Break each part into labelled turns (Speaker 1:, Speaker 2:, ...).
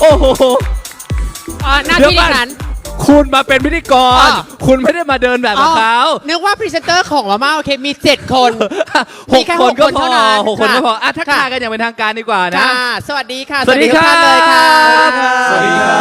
Speaker 1: โอ้โห
Speaker 2: หน้าที่ดิฉัน
Speaker 1: คุณมาเป็นพิธีกร คุณไม่ได้มาเดินแบบกับเขา
Speaker 2: นึกว่าพรีเซนเตอร์ของมาม่าโอเคมี7 คน
Speaker 1: หกคนก็พอ
Speaker 2: เท่านั้น
Speaker 1: หกคนก็พออ่ะทักทาย
Speaker 2: ค่ะ
Speaker 1: กันอย่างเป็นทางการดีกว่านะ
Speaker 2: ค่ะสวัสดีค่ะ
Speaker 1: สวัสดี
Speaker 2: ทุกท่านเลยค่ะ
Speaker 1: ครับ
Speaker 3: สวัสดีครับ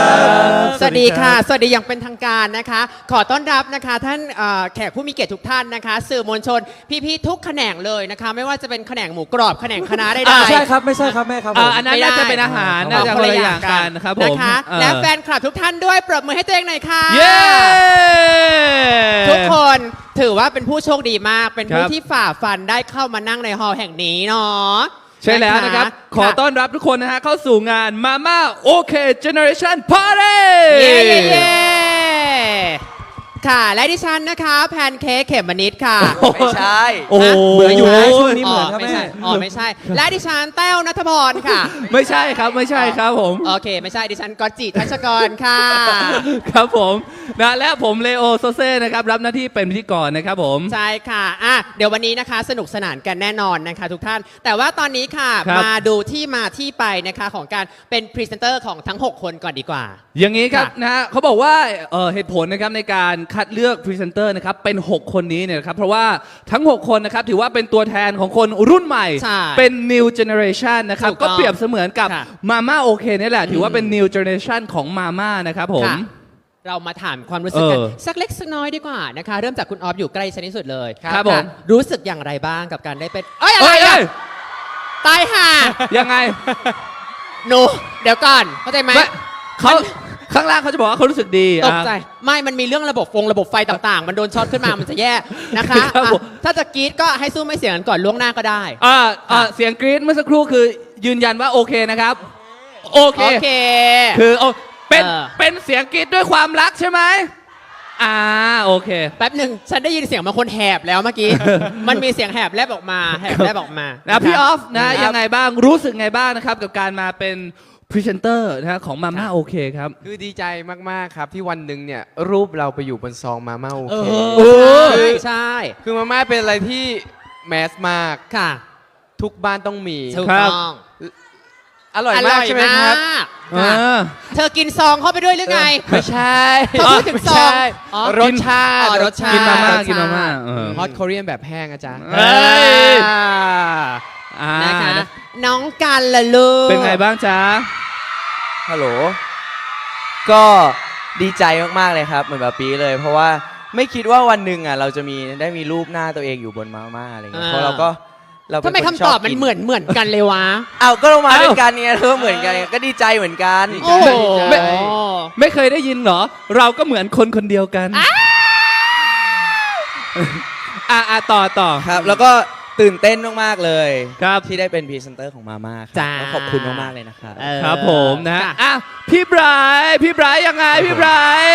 Speaker 2: สวัสดีค่ะ สวัสดีอย่างเป็นทางการนะคะ ขอต้อนรับนะคะท่านแขกผู้มีเกียรติทุกท่านนะคะ สื่อมวลชนพี่ๆทุกแขนงเลยนะคะ ไม่ว่าจะเป็นแขนงหมูกรอบแขนงคะน้าได้
Speaker 3: ไม่ใช่ครับไม่ใช่ครับแม่ครับผม
Speaker 1: อันนั้นน่าจะเป็นอาหารน่าจะคนละอย่างกันนะครับผม
Speaker 2: นะคะ และแฟนคลับทุกท่านด้วยปรบมือให้ตัวเองหน่อยค่ะ
Speaker 1: เย้
Speaker 2: ทุกคนถือว่าเป็นผู้โชคดีมาก เป็นผู้
Speaker 1: ครับ
Speaker 2: ที่ฝ่าฟันได้เข้ามานั่งในฮอลล์แห่งนี้เนาะ
Speaker 1: ใช่แล้วนะครับ ขอต้อนรับทุกคนนะฮะเข้าสู่งาน Mama OK Generation Party
Speaker 2: เย้เย้เย้ค่ะ และดิฉันนะคะแพนเค้กเขมมนิดค่ะ
Speaker 3: ไม่ใช่
Speaker 1: โอ้โห
Speaker 3: เหมือนอยู่นะช่วงนี้เหมือนครับ
Speaker 2: ไม่
Speaker 3: แม่
Speaker 2: ใช่ไม่ใช่ และดิฉันแต้วนัทพรค่ะ
Speaker 1: ไม่ใช่ครับไม่ใช่ครับผม
Speaker 2: โอเค ไม่ใช่ดิฉันกอตจิทัชกรค่ะ
Speaker 1: ครับผมนะและผมเลโอโซเซ่นะครับรับหน้าที่เป็นพิธีกรนะครับผม
Speaker 2: ใช่ค่ะเดี๋ยววันนี้นะคะสนุกสนานกันแน่นอนนะคะทุกท่าน แต่ว่าตอนนี้ค่ะ
Speaker 1: ครับ
Speaker 2: มาดูที่มาที่ไปนะคะของการเป็นพรีเซนเตอร์ของทั้ง 6 คนก่อนดีกว่า
Speaker 1: อย่างนี้ครับ
Speaker 2: ค่ะ
Speaker 1: นะฮะเขาบอกว่าเหตุผลนะครับในการคัดเลือกพรีเซนเตอร์นะครับเป็น 6 คนนี้เนี่ยนะครับเพราะว่าทั้ง 6 คนนะครับถือว่าเป็นตัวแทนของคนรุ่นใหม่
Speaker 2: ใช่
Speaker 1: เป็น new generation นะครับ
Speaker 2: ถูกต้
Speaker 1: ก็
Speaker 2: อง
Speaker 1: เปรียบเสมือนกับ
Speaker 2: ค่ะ
Speaker 1: Mama OK นี่แหละถือว่าเป็น new generation ของ Mama นะครับผม
Speaker 2: ค่ะเรามาถามความรู้สึกกัน
Speaker 1: เออ
Speaker 2: สักเล็กสักน้อยดีกว่านะคะ เริ่มจากคุณออฟอยู่ใกล้ฉันที่สุดเลย
Speaker 1: ครับผม
Speaker 2: รู้สึกอย่างไรบ้างกับการได้เป็นเอ้ยอะไร
Speaker 1: เอ้ย
Speaker 2: อะตายห่า
Speaker 1: ยังไง
Speaker 2: หนูเดี๋ยวก่อนเข้าใจไหม
Speaker 1: ไม่เขาข้างล่างเขาจะบอกว่าเขารู้สึกดี
Speaker 2: ตกใจ
Speaker 1: อ่ะ
Speaker 2: ไม่มันมีเรื่องระบบไฟต่างๆ มันโดนช็อตขึ้นมามันจะแย่นะคะ
Speaker 1: ครับผม
Speaker 2: ถ้าจะกรี๊ดก็ให้สู้ไม่เสียงกันก่อนล่วงหน้าก็ได้
Speaker 1: เสียงกรี๊ดเมื่อสักครู่คือยืนยันว่าโอเคนะครับ โอเค
Speaker 2: โอเค
Speaker 1: คือเป็น
Speaker 2: เออ
Speaker 1: เป็นเสียงกรี๊ดด้วยความรักใช่ไหมโอเค
Speaker 2: แป๊บหนึ่งฉันได้ยินเสียงบางคนแหบแล้วเมื่อกี้ มันมีเสียงแหบแลบออกมาแหบแลบออกมา
Speaker 1: นะพี่ออฟนะ
Speaker 2: ครับ
Speaker 1: ยังไงบ้างรู้สึกไงบ้างนะครับ กับการมาเป็นพรีเซนเตอร์นะฮะของมาม่าโอเคครับ
Speaker 4: คือดีใจมาก ๆ ครับ ที่วันหนึ่งเนี่ยรูปเราไปอยู่บนซองมาม่าโอ
Speaker 2: เอ
Speaker 4: เค
Speaker 2: อใช่ใช่
Speaker 4: คือมาม่าเป็นอะไรที่แมสมาก
Speaker 2: ค่ะ
Speaker 4: ทุกบ้านต้องมี
Speaker 2: ถูก
Speaker 1: ครับ
Speaker 2: ต้อง
Speaker 4: อร่อยมากใช่ไหมครับ
Speaker 2: ค่ะ เธอกินซองเข้าไปด้วยหรือไง
Speaker 4: ไม่ใช่
Speaker 2: เขาพูดถึงซอง
Speaker 4: ไม่ใช่
Speaker 2: อ๋อ
Speaker 4: รสชาติ
Speaker 2: อ๋อรสชาติ
Speaker 1: กินมาม่าร
Speaker 2: สชติ
Speaker 1: กินมาม่าเออ
Speaker 4: ฮอตคอเรียนแบบแห้งอาจารย์
Speaker 1: เฮ้ย
Speaker 2: นะคะ น้องกันละลูก
Speaker 1: เป็นไงบ้างจ๊ะ
Speaker 3: ฮัลโหลก็ดีใจมากๆเลยครับเหมือนแบบปีเลย เพราะว่าไม่คิดว่าวันหนึ่งอ่ะเราจะได้มีรูปหน้าตัวเองอยู่บนมาม่าอะไรเงี้ยเพราะเราเป็
Speaker 2: ทำ
Speaker 3: น
Speaker 2: ไม
Speaker 3: น
Speaker 2: คำตอบ
Speaker 3: ช
Speaker 2: มัน
Speaker 3: กิ
Speaker 2: เหมือนกันเลยวะ
Speaker 3: เอาก็เรามาด้วยกันเนี่ยเราก็เหมือนกันก็ดีใจเหมือนกัน
Speaker 2: โอ้โห
Speaker 1: ไม่ ไม่เคยได้ยินเหรอ เราก็เหมือนคนคนเดียวกันต่อ
Speaker 3: ครับ แล้วก็ตื่นเต้นมากๆเลย
Speaker 1: ครับ
Speaker 3: ที่ได้เป็นพรีเซนเตอร์ของมาม่าครับ
Speaker 2: จ้า
Speaker 3: แล้วขอบคุณมากๆเลยนะครับ
Speaker 2: เออ
Speaker 1: ครับผมนะฮะ
Speaker 2: ค่
Speaker 1: อ่ะพี่ไบรท์ยังไงพี่ไบรท์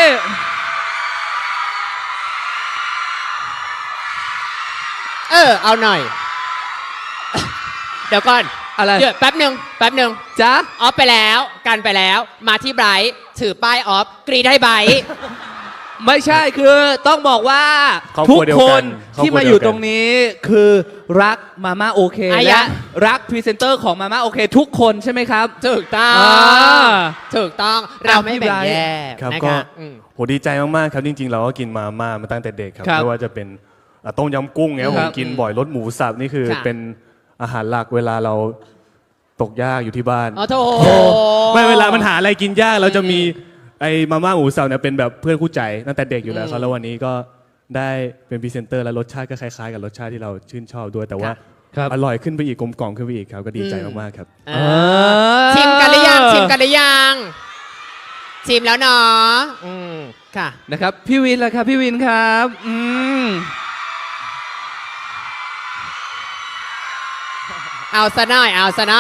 Speaker 2: เอาหน่อย เดี๋ยวก่อน
Speaker 1: อะไร
Speaker 2: เดี๋ยวแป๊บหนึ่ง
Speaker 1: จ๊ะ
Speaker 2: ออฟไปแล้วกันไปแล้ว มาที่ไบรท์ถือป้ายออฟกรีดให้ไบรท์
Speaker 1: ไม่ใช่คือต้องบอกว่า
Speaker 5: ครอบ
Speaker 1: ทุ
Speaker 5: ครั
Speaker 1: ก
Speaker 5: วเดียว
Speaker 1: ค
Speaker 5: กัน
Speaker 1: นที่มาอยู่ตรงนี้คือรักมาม่าโอเค
Speaker 2: อ่ะ
Speaker 1: และ
Speaker 2: ยะ
Speaker 1: รักพรีเซนเตอร์ของมาม่าโอเคทุกคนใช่ไหมครับ
Speaker 2: ถูกต้อง
Speaker 1: อ่า
Speaker 2: ถูกต้องเราไม่แบ่งแยก
Speaker 5: ครับ
Speaker 2: นะ
Speaker 5: ก็
Speaker 2: คะอืม
Speaker 5: โหดีใจมากๆครับจริงๆ เราก็กินมาม่ามาตั้งแต่เด็กครับ
Speaker 1: ครับ
Speaker 5: ไม่ว่าจะเป็นต้มยำกุ้งเนี่ย
Speaker 1: ค
Speaker 5: ผ
Speaker 1: รั
Speaker 5: ม
Speaker 1: บ
Speaker 5: กินบ่อยรสหมูสับนี่คือ
Speaker 2: ค่ะ
Speaker 5: เป็นอาหารหลักเวลาเราตกยากอยู่ที่บ้าน
Speaker 2: อ๋อโถ
Speaker 5: ไม่เวลามันหาอะไรกินยากเราจะมีไอ้มาม่าหมูสับเนี่ยเป็นแบบเพื่อนคู่ใจตั้งแต่เด็กอยู่แล้วครับแล้ววันนี้ก็ได้เป็นพรีเซนเตอร์และรสชาติก็คล้ายๆ กับรสชาติที่เราชื่นชอบด้วย แต่ว่า
Speaker 1: ครับ
Speaker 5: อร่อยขึ้นไปอีกกลมกล่อมขึ้นไปอีกครับก็ดีใจมากๆครับ
Speaker 2: อ่าชิมกันหรือยังชิมแล้วเนาะค่ะ
Speaker 1: นะครับพี่วินล่ะครับพี่วินครับ
Speaker 2: เอาซะหน่อย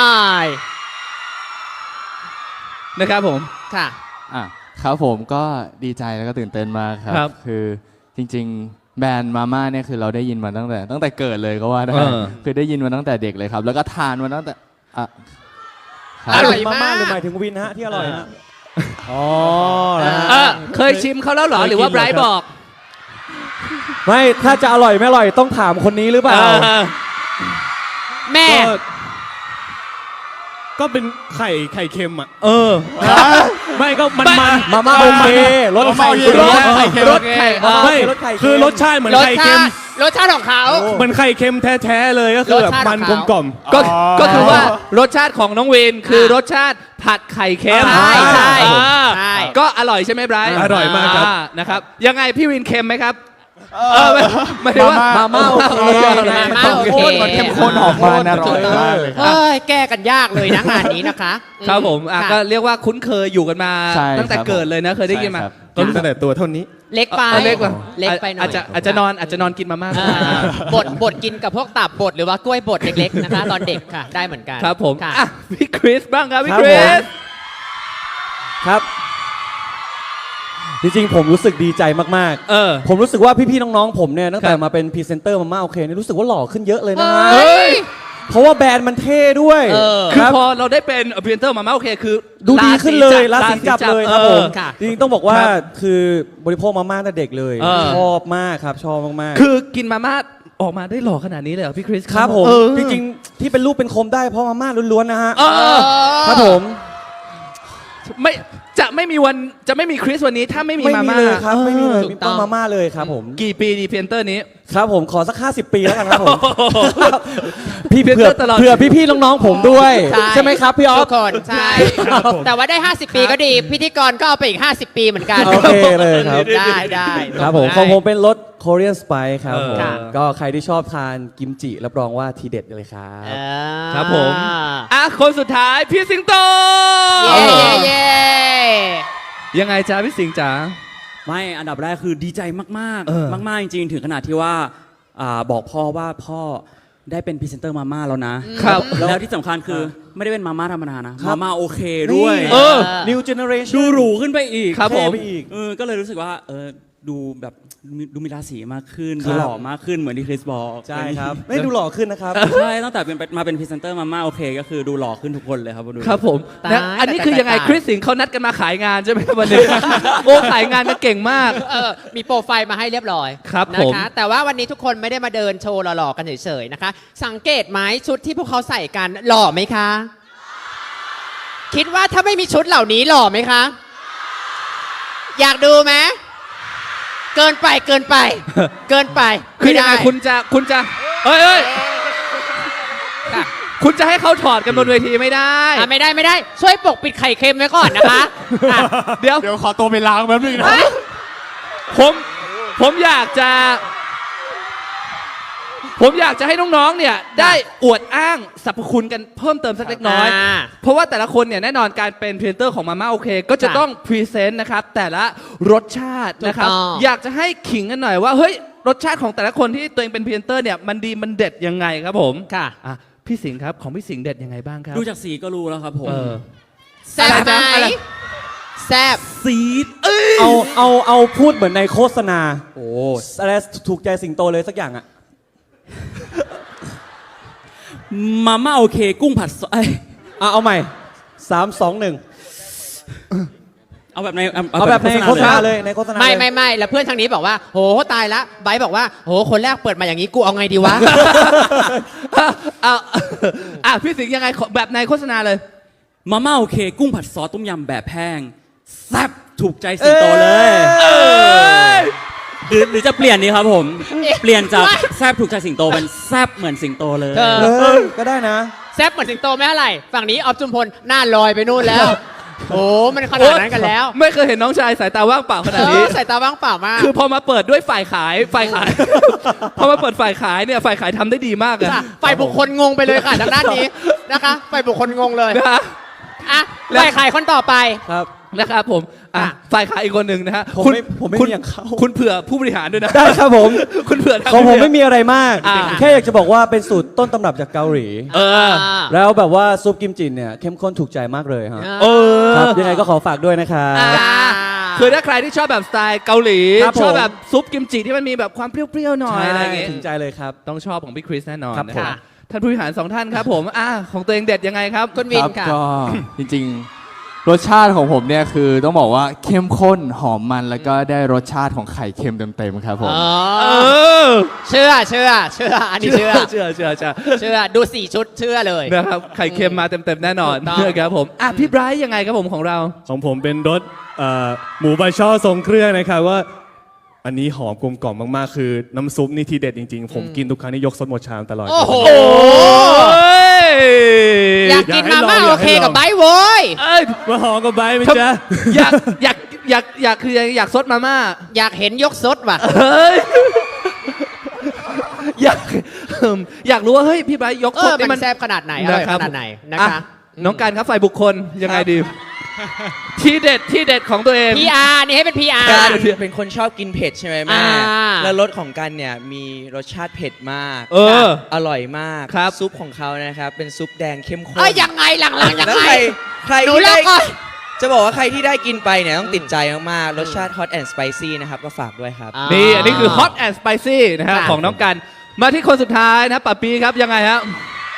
Speaker 1: นะครับผม
Speaker 2: ค่ะ
Speaker 6: ครับผมก็ดีใจแล้วก็ตื่นเต้นมากครั
Speaker 1: ครับ
Speaker 6: คือจริงๆ แบรนด์มาม่าเนี่ยคือเราได้ยินมาตั้งแต่เกิดเลยก็ว่าได้
Speaker 1: เออ
Speaker 6: คือได้ยินมาตั้งแต่เด็กเลยครับ แล้วก็ทานมาตั้งแต่ค
Speaker 2: อ
Speaker 6: รับ
Speaker 2: ร่อย
Speaker 3: มาม่าหรือห
Speaker 2: มาม
Speaker 3: าก ยถึงวินฮะที่อร่อยฮะ
Speaker 5: อ๋อ
Speaker 1: เคยชิมเขาแล้วเหรอหรือว่าไบรท์บอก
Speaker 3: ไม่ถ้าจะอร่อยไม่อร่อยต้องถามคนนี้หรือเปล่า
Speaker 2: แม่
Speaker 5: ก็เป็นไข่เค็มอ่ะ
Speaker 1: เออ
Speaker 5: ไม่ก็มัน
Speaker 7: มาม่าโอเครสไข่
Speaker 1: รสไข่เค็มรสไข่
Speaker 5: ไม่
Speaker 7: รสไข่เค็ม
Speaker 5: คือรสชาติเหมือน
Speaker 2: รส
Speaker 5: ไข่เค็
Speaker 2: ชาม ติรสชาติของเขา
Speaker 5: เหมือนไข่เค็มแท้ๆเลยก็คือแบบ
Speaker 2: รสชาติ
Speaker 5: มัน
Speaker 2: ของ
Speaker 5: กล
Speaker 2: เขา
Speaker 5: ม
Speaker 1: ก็คือว่ารสชาติของน้องวินคือรสชาติผัดไข่เค็ม
Speaker 2: ใช่ใช่
Speaker 1: อ่า
Speaker 2: ใช่
Speaker 1: ก็อร่อยใช่ไหมไบรท์
Speaker 5: อร่อยมากครับ
Speaker 1: นะครับยังไงพี่วินเค็มไหมครับไม่ได้ว่า
Speaker 7: มาม่าโอเค
Speaker 2: มาม่าโอเค
Speaker 7: มันเข้มข้นออกมาอร่อยมากเลย
Speaker 2: เฮ้ยแก้กันยากเลยนะงานนี้นะคะ
Speaker 1: ครับผม
Speaker 2: ค่ะ
Speaker 1: ก็เรียกว่าคุ้นเคยอยู่กันมา
Speaker 6: ใช่
Speaker 1: ตั้งแต่
Speaker 6: ครับ
Speaker 1: เกิดเลยนะเคยได้ยินมา
Speaker 6: ใช่ครับ
Speaker 5: ๆต้นตั้งแต่ตัวเท่านี้
Speaker 2: เล็กไป
Speaker 1: เล็กกว่า
Speaker 2: เล็กไปหน่อย
Speaker 1: อาจจะนอนกินมาม่า
Speaker 2: อ่าบดกินกับพวกตับบดหรือว่ากล้วยบดเล็กๆนะคะ ตอนเด็กค่ะได้เหมือนกัน
Speaker 1: ครับผม
Speaker 2: ค่ะ
Speaker 1: อ่ะพี่คริสบ้างครับพี่
Speaker 7: ครับ
Speaker 1: คริ
Speaker 7: ผม
Speaker 1: ส
Speaker 7: ครับ จริงๆ ผมรู้สึกดีใจมาก
Speaker 1: เออ
Speaker 7: ๆ ผมรู้สึกว่าพี่ๆ น้องๆ ผมเนี่ยตั้งแต่
Speaker 1: ครับ
Speaker 7: มาเป็นพรีเซนเตอร์มาม่าโอเคเนี่ยรู้สึกว่าหล่อขึ้นเยอะเลยนะฮะ
Speaker 2: เฮ้ย
Speaker 7: เพราะว่าแบรนด์มันเท่ด้วย
Speaker 2: เออ
Speaker 1: คือ
Speaker 7: รับ
Speaker 1: พอเราได้เป็นพรีเซนเตอร์มาม่าโอเคคือ
Speaker 7: ดูดีขึ้นเลยรา
Speaker 1: รา
Speaker 7: ศี
Speaker 1: ศี
Speaker 7: จับเลยครับผม
Speaker 2: ค่ะ
Speaker 7: จริงๆ ต้องบอกว่า
Speaker 1: ครับ
Speaker 7: คือบริโภคมาม่าตั้งแต่เด็กเลย
Speaker 1: เออ
Speaker 7: ชอบมากครับ ชอบมากๆ
Speaker 1: คือกินมาม่าออกมาได้หล่อขนาดนี้เลยเหรอพี่คริส
Speaker 7: ครับผม
Speaker 1: เออ
Speaker 7: จริงๆ ที่เป็นรูปเป็นโคมได้เพราะมาม่าล้วนๆ นะฮะ
Speaker 1: เออ
Speaker 7: ครับผม
Speaker 1: ไม่จะไม่มีคริสวันนี้ถ้าไม่มี
Speaker 7: ไม่
Speaker 1: มา
Speaker 7: มี
Speaker 1: ม่า
Speaker 7: เลยครับ ไม่มีเลย
Speaker 2: ถูก
Speaker 7: มี
Speaker 2: ต้
Speaker 7: ต้
Speaker 2: อง
Speaker 7: นมาม่าเลยครับผม
Speaker 1: กี่ปีดีพรีเซนเตอร์นี้
Speaker 7: ครับผมขอสัก 50 ปีแล้วกันครับผม พี่
Speaker 1: เพื่
Speaker 7: เผื่
Speaker 1: อตลอด
Speaker 7: อพี่ๆ น้องๆ ผมด้วย ใช่ไหมครับพี่ออ
Speaker 2: ทุ
Speaker 7: ฟ
Speaker 2: กคนใช่ แต่ว่าได้ 50 ปีก็ดี พิธีกรก็เอาไปอีก 50 ปีเหมือนกัน
Speaker 7: โอเคเลยครับ
Speaker 2: ได้
Speaker 7: ครับผมของผมเป็นรส Korean Spice ครับผม
Speaker 2: ค่ะ
Speaker 7: ก็ใครที่ชอบทานกิมจิรับรองว่าทีเด็ดเลยครับ
Speaker 1: ครับผมอ่ะคนสุดท้ายพี่สิงโต
Speaker 2: เย้เย้เย้
Speaker 1: ยังไงจ๊ะพี่สิงห์จ๋า
Speaker 8: ไม่อันดับแรกคือดีใจมาก
Speaker 1: เออ
Speaker 8: ๆ มาก ๆ จริง ๆ ถึงขนาดที่ว่าบอกพ่อว่าพ่อได้เป็นพรีเซนเตอร์มาม่าแล้วนะ
Speaker 1: ครับ
Speaker 8: แล้วที่สำคัญคือไม่ได้เป็นมาม่าธรรมดานะ มาม่าโอเคด้วย
Speaker 1: เออ
Speaker 7: New Generation
Speaker 8: ดูหรูขึ้นไปอีก
Speaker 1: ครับผม
Speaker 7: เท่ไปอีก
Speaker 8: ก็เลยรู้สึกว่าดูแบบดูมีราศีมากขึ้น
Speaker 7: ครั
Speaker 8: ดู
Speaker 7: บ
Speaker 8: หล่อมากขึ้นเหมือนที่คริสบอก
Speaker 7: ใช่ครับ ไม่ดูหล่อขึ้นนะครับ
Speaker 8: ใช่ตั้งแต่มาเป็นพรีเซนเตอร์มาม่าโอเค ก็คือดูหล่อขึ้นทุกคนเลยครับดู
Speaker 1: ครับผม
Speaker 2: ตาย
Speaker 1: นะอันนี้คือยังไง
Speaker 2: ตาย
Speaker 1: คริสสิงห์เขานัดกันมาขายงานใช่ไหมวันนี้ โอ้ขายงานกันเก่งมาก
Speaker 2: มีโปรไฟล์มาให้เรียบร้อย
Speaker 1: ครับ
Speaker 2: นะ
Speaker 1: ผม
Speaker 2: คะแต่ว่าวันนี้ทุกคนไม่ได้มาเดินโชว์หล่อๆกันเฉยๆนะคะ สังเกตไหมชุดที่พวกเขาใส่กันหล่อไหมคะ คิดว่าถ้าไม่มีชุดเหล่านี้หล่อไหมคะ อยากดูไหมเกินไปเกินไป
Speaker 1: คือ
Speaker 2: ไม่
Speaker 1: ยัง
Speaker 2: ได้
Speaker 1: ไงคุณจะเอ้ย
Speaker 2: ค่ะ
Speaker 1: คุณจะให้เขาถอดกันบนเวทีไม่ได้
Speaker 2: ไม่ได้ช่วยปกปิดไข่เค็มไว้ก่อนนะคะอ่ะ
Speaker 1: เดี๋ยว
Speaker 5: เดี๋ยวขอตัวไปล้างแป๊บนึงนะ
Speaker 1: ผมอยากจะให้น้องๆ เนี่ยได้อวดอ้างสรรพคุณกันเพิ่มเติมสักเล็กน้อย เพราะว่าแต่ละคนเนี่ยแน่นอนการเป็นพรีเซนเตอร์ของมาม่าโอเค ก็จะ
Speaker 2: ค่ะ
Speaker 1: ต้องพรีเซนต์นะครับแต่ละรสชาตินะครับ
Speaker 2: ถูกต้อง
Speaker 1: อยากจะให้ขิงกันหน่อยว่าเฮ้ยรสชาติของแต่ละคนที่ตัวเองเป็นพรีเซนเตอร์เนี่ยมันดีมันเด็ดยังไงครับผม
Speaker 2: ค่ะ
Speaker 1: อ่ะพี่สิงห์ครับของพี่สิงห์เด็ดยังไงบ้างครับ
Speaker 8: ดูจากสีก็รู้แล้วครับผม
Speaker 1: เออ
Speaker 2: แซ่บไหม
Speaker 1: อะไร
Speaker 2: แซ่บ
Speaker 8: ซีด
Speaker 7: เอาพูดเหมือนในโฆษณา โอ้อะไรถูกใจสิงโตเลยสักอย่างอะ
Speaker 8: มาม่าโอเค กุ้งผัดซอส
Speaker 7: เอาใหม่ 3 2 1
Speaker 8: เอาแบบใน
Speaker 7: เอาแบบในโฆษณา
Speaker 8: เลย
Speaker 7: เลยในโฆษณา
Speaker 2: ไม่แล้วเพื่อนทางนี้บอกว่าโหตายละไบร์ทบอกว่าโหคนแรกเปิดมาอย่างนี้กูเอาไงดีวะ
Speaker 1: อ่ะพี่สิงห์ยังไงขอแบบในโฆษณาเลย
Speaker 8: มาม่าโอเค กุ้งผัดซอสต้มยำแบบแห้งแซ่บถูกใจสิงโตเลย หรือจะเปลี่ยนดีครับผม เปลี่ยนจากแซ่บถูกใจสิงโตเป็นแซ่บเหมือนสิงโตเลย
Speaker 2: เออ
Speaker 7: เลยก็ได้นะ
Speaker 2: แซ่บเหมือนสิงโตไม่เท่าไหร่ฝั่งนี้ออฟจุมพลหน้าลอยไปนู่นแล้ว โอ้มันขนาดนั้นกันแล้ว
Speaker 1: ไม่เคยเห็นน้องชายสายตาว่างเปล่าขนาดนี้
Speaker 2: สายตาว่างเปล่ามาก
Speaker 1: คือพอมาเปิดด้วยฝ่ายขาย พอมาเปิดฝ่ายขายเนี่ยฝ่ายขายทำได้ดีมากอะ
Speaker 2: ค่ะฝ่ายบุคคลงงไปเลยค่ะทางด้านนี้นะคะฝ่ายบุคคลงงเลย
Speaker 1: นะฮะ
Speaker 2: อ่ะฝ่ายขายคนต่อไป
Speaker 7: ครับ
Speaker 1: นะครับผมอ่ะ
Speaker 2: อ่ะ
Speaker 1: ฝ่ายขายอีกคนหนึ่งนะฮะ
Speaker 7: ผมไม่
Speaker 1: คุณ
Speaker 7: มีอย่างเขา
Speaker 1: คุณเผื่อผู้บริหารด้วยนะ
Speaker 7: ได้ครับผม
Speaker 1: คุณเผื่อทาง
Speaker 7: ของผม
Speaker 1: ผู้บริหาร
Speaker 7: ไม่มีอะไรมาก
Speaker 1: อ่า
Speaker 7: แค่อยากจะบอกว่าเป็นสูตรต้นตำรับจากเกาหลี
Speaker 1: เออ
Speaker 7: แล้วแบบว่าซุปกิมจิเนี่ยเข้มข้นถูกใจมากเลยฮะ
Speaker 1: เออ
Speaker 7: ครับยังไงก็ขอฝากด้วยนะครับ
Speaker 1: อ่าคือถ้าใครที่ชอบแบบสไตล์เกาหลี
Speaker 7: ครับผม
Speaker 1: ชอบแบบซุปกิมจิที่มันมีแบบความเปรี้ยวๆหน่อยอะไรอย่างเงี้ย
Speaker 7: ถึงใจเลยครับ
Speaker 1: ต้องชอบของพี่คริสแน่นอน
Speaker 7: ครับ
Speaker 1: นะ
Speaker 7: ผม
Speaker 1: ฮะท่านผู้บริหารสองท่านครับผมของตัวเองเด็ดยังไงครับ
Speaker 2: คุณวิน
Speaker 6: รับ
Speaker 2: ค่ะ
Speaker 6: ก็จริงรสชาติของผมเนี่ยคือต้องบอกว่าเข้มข้นหอมมันแล้วก็ได้รสชาติของไข่เค็มเต็มๆครับผม
Speaker 1: อ
Speaker 2: เชื่ออันนี้เชื่อ
Speaker 1: เชื่อ
Speaker 2: เชื่อดู4ชุดเชื่อเลย
Speaker 1: นะครับไข่เค็มมาเต็มๆแน่นอน
Speaker 2: ถูกต้อง
Speaker 1: นะครับผมอ่ะพี่ไบรท์ยังไงครับผมของเรา
Speaker 5: ของผมเป็นรสหมูบาช่อทรงเครื่องนะครับว่า อันนี้หอมกลมกล่อมมากๆ คือน้ำซุปนี่ทีเด็ดจริงๆ ผมกินทุกครั้งนี่ยกซดหมดชามตลอด
Speaker 2: โอ้โห
Speaker 1: โอ้ย
Speaker 2: อยากกินมาม่า
Speaker 5: อยากให้ลอง
Speaker 2: โอเคกับไบร์ทโว้ย
Speaker 1: เอ้ย
Speaker 5: มาหอมกับใบไหมจ๊ะ
Speaker 1: อยากคืออยากซดมาม่า
Speaker 2: อยากเห็นยกซดว่ะ
Speaker 1: เฮ้ยอยากอยากรู้ว่าเฮ้ยพี่ไบรท์ยกซดนี่
Speaker 2: มั
Speaker 1: มัน
Speaker 2: นแซ่บขนาดไหนอร่อย
Speaker 1: นะครั
Speaker 2: ข
Speaker 1: บ
Speaker 2: นาดไหนนะ
Speaker 1: อ่
Speaker 2: คะ
Speaker 1: น้องการครับฝ่ายบุคคลยังไงดี ที่เด็ดของตัวเอง
Speaker 2: PR นี่ให้เป็น PR
Speaker 3: การเป็นคนชอบกินเผ็ดใช่ไหมแม่
Speaker 2: อ่า
Speaker 3: แล้วรสของกันเนี่ยมีรสชาติเผ็ดมาก
Speaker 1: เออ
Speaker 3: อร่อยมาก
Speaker 1: ครับ
Speaker 3: ซุปของเขานะครับเป็นซุปแดงเข้มข้น
Speaker 2: ยังไงหลังๆยัง
Speaker 3: แล้ว
Speaker 2: ไง
Speaker 3: ใคร
Speaker 2: หนู
Speaker 3: ที่
Speaker 2: เล่า
Speaker 3: ได้
Speaker 2: ก่อน
Speaker 3: จะบอกว่าใครที่ได้กินไปเนี่ยต้องติดใจมากๆรสชาติ hot and spicy นะครับก็ฝากด้วยครับ
Speaker 1: นี่อันนี้คือ hot and spicy นะฮะ
Speaker 2: ค่ะ
Speaker 1: ของน้องกันมาที่คนสุดท้ายนะปะปีครับยังไงฮะ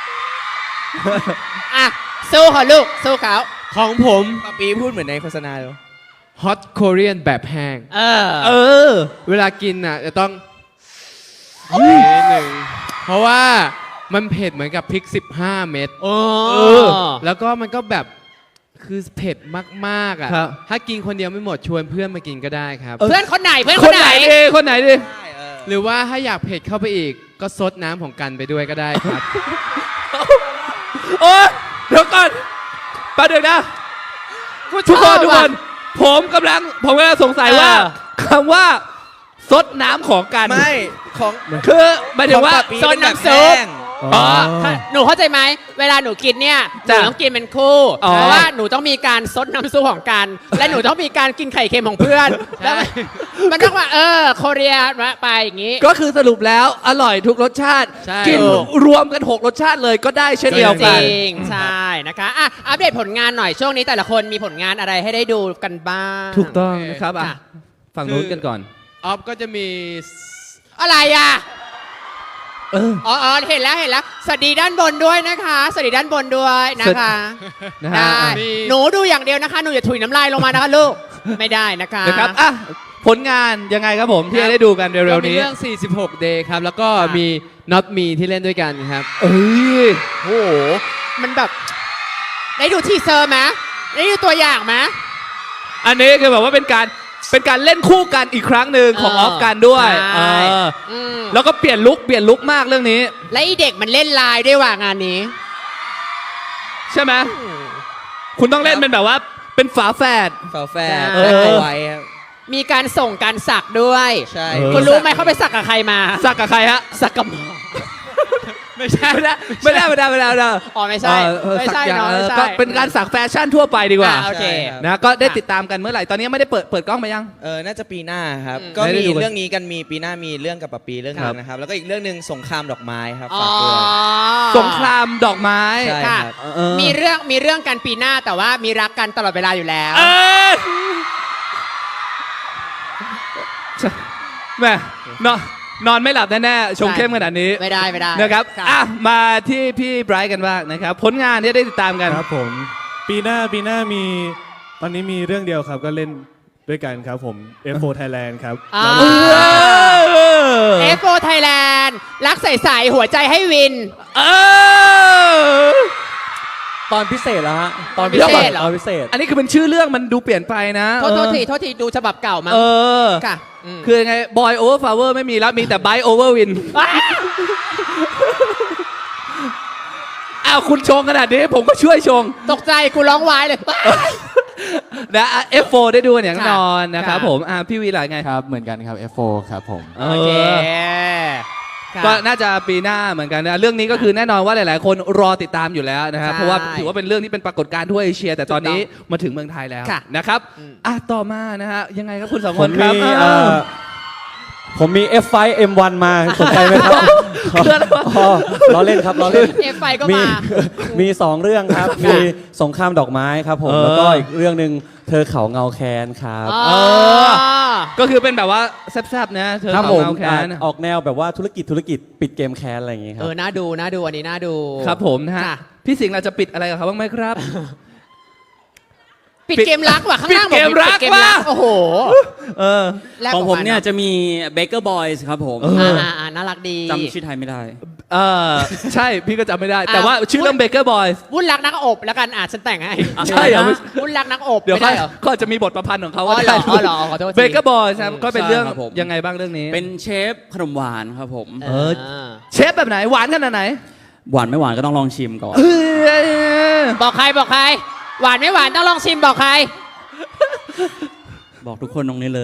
Speaker 2: อ่ะสู้เขาลูกสู้เขา
Speaker 4: ของผม
Speaker 3: ปะปีพูดเหมือนในโฆษณาเลย
Speaker 4: Hot Korean แบบแห้ง
Speaker 1: เออ
Speaker 4: เวลากินอ่ะจะต้องนิดหนึ่งเพราะว่ามันเผ็ดเหมือนกับพริก 15 เม็ด
Speaker 2: โอ้
Speaker 4: แล้วก็มันก็แบบคือเผ็ดมากๆอ่ะ
Speaker 1: ครับ
Speaker 4: ถ้ากินคนเดียวไม่หมดชวนเพื่อนมากินก็ได้ครับ
Speaker 2: เพื่อนคนไหนเพื่อน
Speaker 1: ค
Speaker 2: คน น
Speaker 1: ไห
Speaker 2: ไห
Speaker 1: น
Speaker 2: น
Speaker 1: ดีคนไหนดี
Speaker 4: หรือว่าถ้าอยากเผ็ดเข้าไปอีก ก็ซดน้ำของกันไปด้วยก็ได้ครับ
Speaker 1: โอ้ยเดี๋ยวก่อนแป๊บเดียวนะ ทุกคนผมกำลังสงสัยว่าคำว่าซดน้ำของกัน
Speaker 3: ไม่ของ
Speaker 1: คือหมายถึงว่า
Speaker 3: ของปะปี
Speaker 2: ซด
Speaker 3: เป็นแบบ
Speaker 2: น้ำซุป
Speaker 3: แห้ง
Speaker 1: อ๋อ
Speaker 2: หนูเข้าใจไหมเวลาหนูกินเนี่ยหนู
Speaker 1: จ้ะ
Speaker 2: ต้องกินเป็นคู่
Speaker 1: อ๋อ
Speaker 2: เพราะว่าหนูต้องมีการซดน้ำซุปของกัน และหนูต้องมีการกินไข่เค็มของเพื่อนแล้วมันต้องว่าโคเรียไปอย่างนี้
Speaker 1: ก็คือสรุปแล้วอร่อยทุกรสชาติ
Speaker 4: ใช่
Speaker 1: กินรวมกัน 6 รสชาติเลยก็ได้เช่นเดียว
Speaker 2: จ
Speaker 1: กัน
Speaker 2: ริงใช่นะคะอ่ะอัปเดตผลงานหน่อยช่วงนี้แต่ละคนมีผลงานอะไรให้ได้ดูกันบ้าง
Speaker 1: ถูกต้องนะครับอ่ะ
Speaker 2: ค่ะ
Speaker 1: ฝั่งนู้นกันก่อน
Speaker 4: ออฟก็จะมี
Speaker 2: อะไรอ่ะ
Speaker 1: เออ
Speaker 2: อ๋อเห็นแล้วสวัสดีด้านบนด้วยนะคะสวัสดีด้านบนด้วยนะคะ
Speaker 1: นะฮะ
Speaker 2: ได้
Speaker 1: อ่ะ
Speaker 2: หนูดูอย่างเดียวนะคะ หนูอย่าถุยน้ำลายลงมานะคะลูก ไม่ได้นะคะ
Speaker 1: นะครับอ่ะผลงานยังไงครับผมที่จะได้ดูกันเร็
Speaker 4: ก็
Speaker 1: วๆ
Speaker 4: มี
Speaker 1: นี้
Speaker 4: เรื่อง 46 Day ครับ แล้วก็มี Not Me ที่เล่นด้วยกันครับ
Speaker 1: เอ้ย
Speaker 2: โอ้โหมันแบบ ได้ดูทีเซอร์ไหมได้ดูตัวอย่างไหม
Speaker 1: อันนี้คือแบบว่าเป็นการเล่นคู่กันอีกครั้งหนึ่งของออฟกันด้วย
Speaker 2: ใช่
Speaker 1: เออ
Speaker 2: อืม
Speaker 1: แล้วก็เปลี่ยนลุกมากเรื่องนี้
Speaker 2: และอีเด็กมันเล่นไลน์ด้วยว่างานนี้
Speaker 1: ใช่ไหมคุณต้องเล่นเป็นแบบว่าเป็นฝาแฝด
Speaker 3: ฝาแฝด
Speaker 2: เออ
Speaker 3: แลกเอาไว้ครับ
Speaker 2: มีการส่งการสักด้วย
Speaker 3: ใช่
Speaker 1: เออ
Speaker 2: คุณรู้ไหมเขาไปสักกับใครมา
Speaker 1: สักกับใครฮะ
Speaker 2: สักกับหมอ
Speaker 1: ไม่ใช่ไม่ได้
Speaker 2: อ๋อไม่ใช่ไม่ใช่
Speaker 1: สักอย่าง
Speaker 2: เนาะไม่ใช่
Speaker 1: ก็เป็นการสักแฟชั่นทั่วไปดีกว่า
Speaker 2: โอเค
Speaker 1: นะก็ได้ติดตามกันเมื่อไหร่ตอนนี้ไม่ได้เปิดกล้องมายัง
Speaker 3: น่าจะปีหน้าครับ
Speaker 2: อืม
Speaker 3: ก็
Speaker 1: ไม่ได้
Speaker 3: มี
Speaker 1: ดูกัน
Speaker 3: เรื่องนี้กันมีปีหน้ามีเรื่องกับปะปีเรื่องหนึ
Speaker 1: ครั
Speaker 3: ง
Speaker 1: บ
Speaker 3: นะครับ แล้วก็อีกเรื่องหนึ่งสงครามดอกไม้ครับ
Speaker 2: อ๋อ
Speaker 3: ฝากด้วย
Speaker 1: สงครามดอกไม้
Speaker 3: ใช่
Speaker 2: ค่ะ
Speaker 3: ครับ
Speaker 1: เออ
Speaker 2: มีเรื่องกันปีหน้าแต่ว่ามีรักกันตลอดเวลาอยู่แล้ว
Speaker 1: เอยแม่นอนไม่หลับแน่ๆชงเข้มขนาดนี้
Speaker 2: ไม่ได้
Speaker 1: นะครับอ่ะมาที่พี่ไบรท์กันบ้างนะครับ ผลงานที่ได้ติดตามกัน
Speaker 5: ครับผมปีหน้ามีตอนนี้มีเรื่องเดียวครับก็เล่นด้วยกันครับผม F4 Thailand ครับ
Speaker 2: อ่า
Speaker 5: แล้ว
Speaker 2: F4 Thailand รักใสๆหัวใจให้วิน
Speaker 1: เออ
Speaker 7: ตอนพิเศษแล้วฮะ ตอน
Speaker 2: พิเศษเหรอ
Speaker 7: ตอนพิเศษ
Speaker 1: อันนี้คือเป็นชื่อเรื่องมันดูเปลี่ยนไปนะ
Speaker 2: โทษทีดูฉบับเก่ามั้ง
Speaker 1: เออ
Speaker 2: ค่ะ
Speaker 1: คือยังไง Boy Over Flower ไม่มีแล้วมีแต่ Bite Over Win อ้าวคุณชงขนาดนี้ผมก็ช่วยชง
Speaker 2: ตกใจกูร้องวายเลย
Speaker 1: นะอ่ะ F4 ได้ดูกันอย่างแน่นอนนะครับ
Speaker 2: ค่ะ
Speaker 1: ผมพี่วีหลายไง
Speaker 6: ครับเหมือนกันครับ F4 ครับผม
Speaker 2: โอเค
Speaker 1: ก็น่าจะปีหน้าเหมือนกันนะเรื่องนี้ก็คือแน่นอนว่าหลาย ๆ คนรอติดตามอยู่แล้วนะครับ
Speaker 2: ใช่
Speaker 1: เพราะว่าถือว่าเป็นเรื่องที่เป็นปรากฏการณ์ทั่วเอเชีย แต่ตอนนี้มาถึงเมืองไทยแล้ว
Speaker 2: ค่ะ
Speaker 1: นะครับต่อมานะฮะยังไงครับคุณสองคนครับ
Speaker 7: ผมมี F5 M1 มาสนใจไหมครับ
Speaker 1: คืออะไรวะ
Speaker 7: อ๋อล้อเล่นครับล้อเล่น
Speaker 2: เอฟไฟก็
Speaker 7: มี
Speaker 2: มา
Speaker 7: มี2 เรื่องครับ มีสงครามดอกไม้ครับผม แล้วก็อีกเรื่องหนึ่งเธอเขาเงาแคนครับ
Speaker 2: อ๋อ
Speaker 1: ก็คือเป็นแบบว่าแซ่บๆนะเธอ
Speaker 7: ครับ
Speaker 1: ของ
Speaker 7: ผม
Speaker 1: เราแคน
Speaker 7: ออกแนวแบบว่าธุรกิจปิดเกมแคนอะไรอย่างงี้ครั
Speaker 2: น่าดูอันนี้น่าดู
Speaker 1: ครับผมนะฮะ
Speaker 2: ค่ะ
Speaker 1: พี่สิงห์เราจะปิดอะไรกับเขาบ้างไหมครับ
Speaker 2: ปิดเกมรักว่ะข้างล่าง
Speaker 1: ปิดเกมรัก
Speaker 2: ปิด
Speaker 1: ว่ะ
Speaker 2: โอ้โห
Speaker 1: เออ
Speaker 2: แลก
Speaker 8: ของผมเนี่ย
Speaker 2: ออกา
Speaker 8: จะมี Baker Boys ครับผม
Speaker 2: น่ารักดี
Speaker 8: จำชื่อไทยไม่ได้
Speaker 1: เออใช่พี่ก็จำไม่ได้
Speaker 2: อ่ะ
Speaker 1: แต่ว่าชื่อเรื่อง Baker Boys
Speaker 2: วุ่นรักนักอบแล้วกันฉันแต่งให้
Speaker 1: ใช่เหรอ
Speaker 2: วุ่นรักนักอบ
Speaker 1: เดี๋ยว
Speaker 2: ไม่ได้เหรอ
Speaker 1: ก็จะมีบทประพันธ์ของเขา
Speaker 2: อ๋อ
Speaker 1: ว่า
Speaker 2: เหรออ๋อเหรอขอโทษที
Speaker 1: เบเกอร์บอยครับก็เป็นเรื่อง
Speaker 8: ใช่ครับผม
Speaker 1: ยังไงบ้างเรื่องนี้
Speaker 8: เป็นเชฟขนมหวานครับผม
Speaker 1: เออ เชฟแบบไหนหวานขนาดไหน
Speaker 8: หวานไม่หวานก็ต้องลองชิมก่อน
Speaker 1: เอ้ย
Speaker 2: บอกใครบอกใคร หวานไม่หวานต้องลองชิมบอกใคร
Speaker 8: บอกทุกคนตรงนี้เลย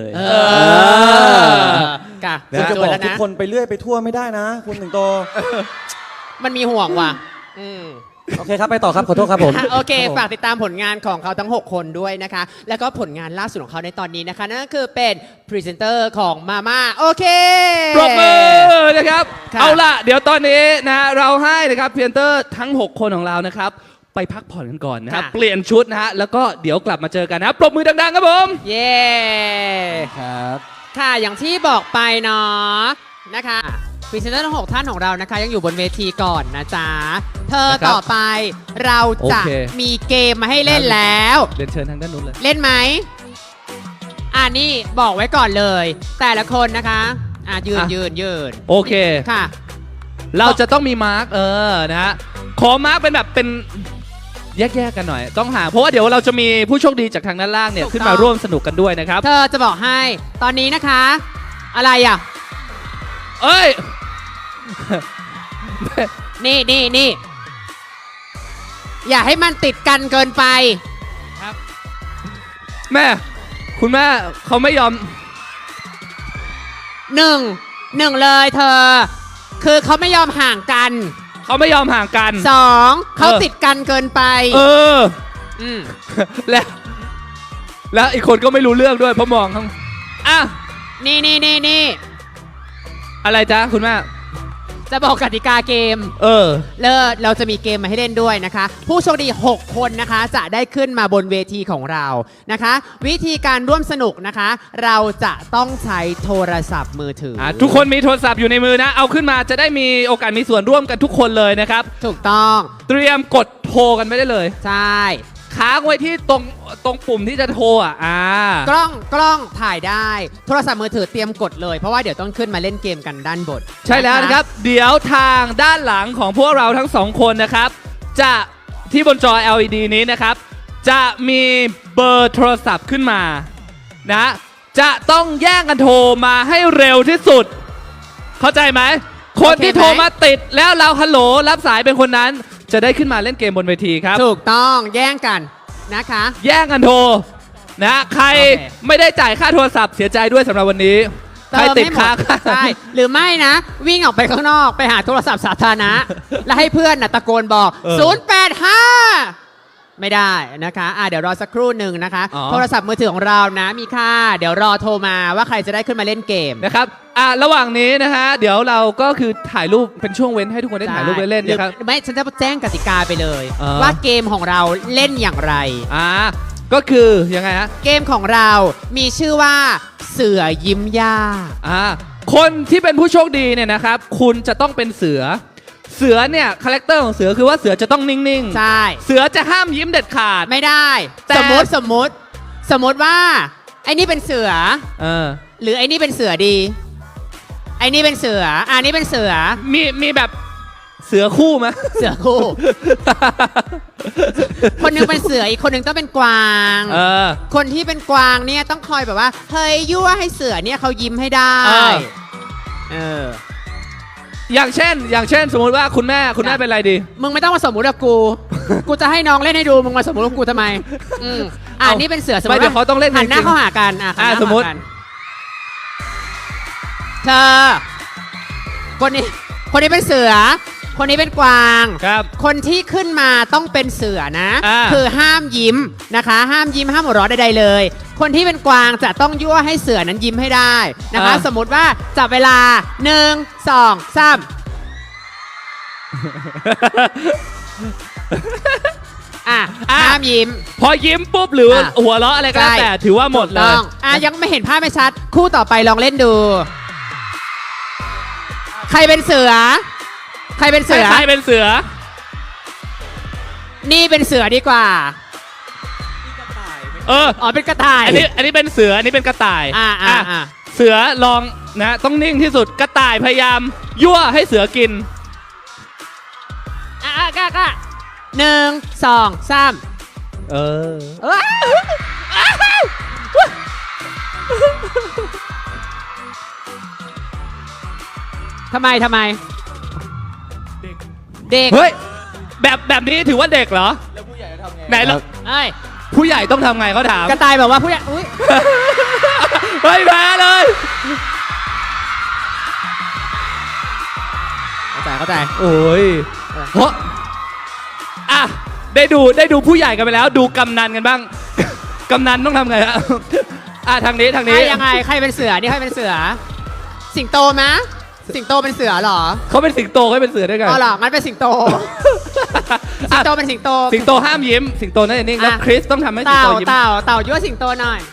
Speaker 2: ค่ะ
Speaker 7: คุณจะ
Speaker 2: จ
Speaker 7: บ
Speaker 2: ว
Speaker 7: อน ก
Speaker 2: แล้ว
Speaker 7: ทุก
Speaker 2: นะ
Speaker 7: คนไปเรื่อยไปทั่วไม่ได้นะ คุณถึงโต
Speaker 2: มันมีห่วงว่ะ
Speaker 7: โอเคครับ ไปต่อครับ ขอโทษครับผม
Speaker 2: โอเค
Speaker 7: ครับผม
Speaker 2: ฝากติดตามผลงานของเขาทั้ง 6 คนด้วยนะคะ แล้วก็ผลงานล่าสุดของเขาในตอนนี้นะคะ นั่นก็คือเป็นพรีเซนเตอร์ของมาม่าโอเค
Speaker 1: ปรบมือนะครับ
Speaker 2: ค่ะ
Speaker 1: เอาล่ะ เดี๋ยวตอนนี้นะเราให้นะครับเพียนเตอร์ทั้ง 6 คนของเรานะครับ ไปพักผ่อนกันก่อนนะครับ เปลี่ยนชุดนะฮะ แล้วก็เดี๋ยวกลับมาเจอกันนะครับปรบมือดังๆครับผม
Speaker 2: เย้
Speaker 6: ครับ
Speaker 2: ค่ะ อย่างที่บอกไปเนาะนะคะพรีเซนเตอร์ทั้ง 6 ท่านของเรานะคะ ยังอยู่บนเวทีก่อนนะจ๊ะ เธอ
Speaker 1: นะครับ
Speaker 2: ต่อไปเราจะ
Speaker 1: โอเค
Speaker 2: มีเกมมาให้เล่นแล้ว
Speaker 1: เรียนเชิญทางด้านนู้นเลย
Speaker 2: เล่นไหมนี่บอกไว้ก่อนเลย แต่ละคนนะคะยืน
Speaker 1: โอเค
Speaker 2: ค่ะ
Speaker 1: เราจะต้องมีมาร์กนะฮะขอมาร์กเป็นแบบเป็นแยกๆกันหน่อย ต้องหาเพราะว่าเดี๋ยวเราจะมีผู้โชคดีจากทางด้านล่างเนี่ย
Speaker 2: ถูกต้อง
Speaker 1: ขึ้นมาร่วมสนุกกันด้วยนะครับ
Speaker 2: เธอจะบอกให้ตอนนี้นะคะ อะไรอ่ะ
Speaker 1: เอ้ย
Speaker 2: นี่อย่าให้มันติดกันเกินไป
Speaker 1: แม่ คุณแม่เขาไม่ยอม
Speaker 2: หนึ่งเลยเธอ คือเขาไม่ยอมห่างกัน
Speaker 1: เขาไม่ยอมห่างกัน
Speaker 2: 2เขาติดกันเกินไป
Speaker 1: เออ
Speaker 2: อืม
Speaker 1: แล้วอีกคนก็ไม่รู้เรื่องด้วยเพราะมองข้างอ่ะ
Speaker 2: นี่
Speaker 1: อะไรจ๊ะคุณแม่
Speaker 2: จะบอกกติกาเกม เราจะมีเกมมาให้เล่นด้วยนะคะ ผู้โชคดี 6 คนนะคะ จะได้ขึ้นมาบนเวทีของเรานะคะ วิธีการร่วมสนุกนะคะ เราจะต้องใช้โทรศัพท์มือถือ
Speaker 1: ทุกคนมีโทรศัพท์อยู่ในมือนะ เอาขึ้นมาจะได้มีโอกาสมีส่วนร่วมกันทุกคนเลยนะครับ
Speaker 2: ถูกต้อง
Speaker 1: เตรียมกดโทรกันไม่ได้เลย
Speaker 2: ใช่
Speaker 1: ค้างไว้ที่ตรงปุ่มที่จะโทร
Speaker 2: กล้องถ่ายได้ โทรศัพท์มือถือเตรียมกดเลย เพราะว่าเดี๋ยวต้องขึ้นมาเล่นเกมกันด้านบน
Speaker 1: ใช่แล้วนะครับ เดี๋ยวทางด้านหลังของพวกเราทั้งสองคนนะครับ จะที่บนจอ LED นี้นะครับ จะมีเบอร์โทรศัพท์ขึ้นมานะจะต้องแย่งกันโทรมาให้เร็วที่สุด เข้าใจไหมคนที่โทรมาติดแล้วเราฮัลโหลรับสายเป็นคนนั้น จะได้ขึ้นมาเล่นเกมบนเวทีครับ
Speaker 2: ถูกต้องแย่งกันนะคะ
Speaker 1: แย่งกันโทรนะใคร
Speaker 2: โอเค
Speaker 1: ไม่ได้จ่ายค่าโทรศัพท์เสียใจด้วยสำหรับวันนี้ใครติดค้าง
Speaker 2: ใช่หรือไม่นะ วิ่งออกไปข้างนอกไปหาโทรศัพท์สาธารณะ แล้วให้เพื่อนตะโกนบอก 085 ไม่ได้นะคะเดี๋ยวรอสักครู่หนึ่งนะคะ โทรศัพท์มือถือของเรานะมีค่า เดี๋ยวรอโทรมาว่าใครจะได้ขึ้นมาเล่นเกม
Speaker 1: นะครับระหว่างนี้นะฮะเดี๋ยวเราก็คือถ่ายรูปเป็นช่วงเว้นให้ทุกคนได้ถ่ายรูปเล่นๆนะครับ
Speaker 2: หรือไม่ฉันจะแจ้งกติกาไปเลย
Speaker 1: อ๋อ
Speaker 2: ว่าเกมของเราเล่นอย่างไร
Speaker 1: ก็คือยังไงฮะ
Speaker 2: เกมของเรามีชื่อว่าเสือยิ้มย่า
Speaker 1: คนที่เป็นผู้โชคดีเนี่ยนะครับ คุณจะต้องเป็นเสือเนี่ยคาแรคเตอร์ของเสือคือว่าเสือจะต้องนิ่งๆ
Speaker 2: ใช่
Speaker 1: เสือจะห้ามยิ้มเด็ดขาด
Speaker 2: ไม่ได้
Speaker 1: แต่
Speaker 2: สมมติว่าไอ้นี่เป็นเสือ หรือไอ้นี่เป็นเสือดีไอ้นี่เป็นเสือนี่เป็นเสือ
Speaker 1: มีแบบเสือคู่ไหม
Speaker 2: เสือคู่ คนหนึงเป็นเสืออีกคนหนึงต้องเป็นกวาง คนที่เป็นกวางเนี่ยต้องคอยแบบว่าเฮ้ยยั่วให้เสือเนี่ยเขายิ้มให้ได้
Speaker 1: อย่างเช่นสมมุติว่าคุณแม่เป็นอะไรดี
Speaker 2: มึงไม่ต้องมาสมมุติกับกู กูจะให้น้องเล่นให้ดู มึงมาสมมุติกับกูทำไมนี่เป็นเสือสมมติ
Speaker 1: เดี๋ยวเขาต้องเล่น
Speaker 2: หันหน้า
Speaker 1: จริงๆ
Speaker 2: เข้าหากันหันหน้า
Speaker 1: สมมุติ
Speaker 2: เข้าหากันเธอคนนี้เป็นเสือ คนนี้เป็นกวาง
Speaker 1: ครับ
Speaker 2: คนที่ขึ้นมาต้องเป็นเสือนะ คือห้ามยิ้มนะคะ ห้ามยิ้มห้ามหัวเราะใดๆเลย คนที่เป็นกวางจะต้องยั่วให้เสือนั้นยิ้มให้ได้นะคะ สมมุติว่าจับเวลา1 2 3ห้ามยิ้ม
Speaker 1: พอยิ้มปุ๊บหรือหัวเราะอะไรก็แล้วแต่ถือว่าหมดเลย
Speaker 2: ยังไม่เห็นภาพไม่ชัด คู่ต่อไปลองเล่นดู ใครเป็นเสือ ใครเป็นเสือ
Speaker 1: ใครเป็นเสือ
Speaker 2: นี่เป็นเสือดีกว่า
Speaker 1: เออ
Speaker 2: อ๋อเป็นกระต่าย
Speaker 1: อันนี้เป็นเสืออันนี้เป็นกระต่าย
Speaker 2: อ่า
Speaker 1: เสือลองนะต้องนิ่งที่สุดกระต่ายพยายามยั่วให้เสือกิน
Speaker 2: กล้า1 2 3
Speaker 7: เออ
Speaker 2: ทำไมเด็ก
Speaker 1: เฮ้ยแบบนี้ถือว่าเด็กเหรอแล้วผู้ใหญ่จะทำไงไหนล่ะ
Speaker 2: เอ้ย
Speaker 1: ผู้ใหญ่ต้องทำไงเขาถาม
Speaker 2: กระต่ายบอกว่าผู้ใหญ่อุ้ย
Speaker 1: เฮ้ยแพ้เลย
Speaker 2: เข้าใจ
Speaker 1: โอ้ยเพราะอ่ะได้ดูผู้ใหญ่กันไปแล้ว ดูกำนันกันบ้าง กำนันต้องทำไงฮะอ่ะทางนี้
Speaker 2: ใครยังไงใครเป็นเสือนี่ใครเป็นเสือ สิงโตไหมสิงโตเป็นเสือเหรอ
Speaker 1: เขาเป็นสิงโตเขาเป็นเสือด้วยกัน
Speaker 2: อ๋อเหรองั้นเป็นสิงโต สิงโตเป็นสิงโต
Speaker 1: สิงโตห้ามยิ้ม สิงโตน่าจะนิ่งแล้ว
Speaker 2: อ่ะ
Speaker 1: คริสต้องทำให้สิงโตยิ้ม
Speaker 2: เต่ายั่วสิงโตหน่อย